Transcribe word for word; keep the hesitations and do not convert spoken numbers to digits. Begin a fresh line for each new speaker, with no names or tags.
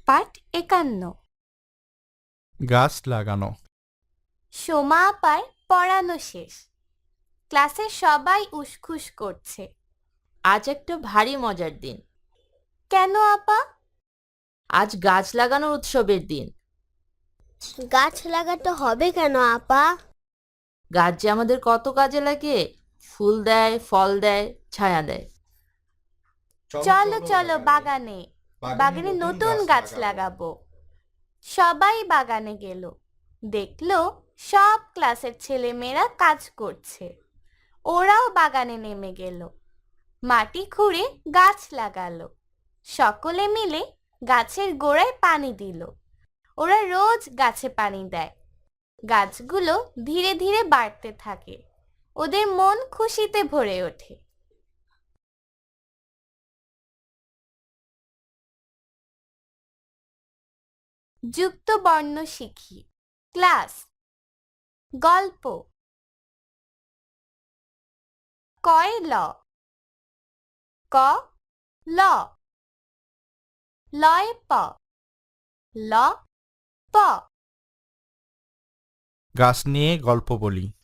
পাঠ একান্ন।
গাছ লাগানো।
সোমা আপার পড়ানো শেষ। ক্লাসের সবাই উসখুস করছে।
আজ একটা ভারী মজার দিন।
কেন আপা?
আজ গাছ লাগানোর উৎসবের দিন।
গাছ লাগাতে হবে কেন আপা?
গাছ যে আমাদের কত কাজে লাগে, ফুল দেয়, ফল দেয়, ছায়া দেয়।
চলো চলো বাগানে, বাগানে নতুন গাছ লাগাবো। সবাই বাগানে গেল, দেখলো সব ক্লাসের ছেলেমেয়েরা কাজ করছে। ওরাও বাগানে নেমে গেল, মাটি খুঁড়ে গাছ লাগালো। সকলে মিলে গাছের গোড়ায় পানি দিল। ওরা রোজ গাছে পানি দেয়। গাছগুলো ধীরে ধীরে বাড়তে থাকে। ওদের মন খুশিতে ভরে ওঠে। যুক্ত বর্ণ শিখি। ক্লাস। গল্প। কয় ল, ক ল, লয় প, ল প।
গাছ নিয়ে গল্প বলি।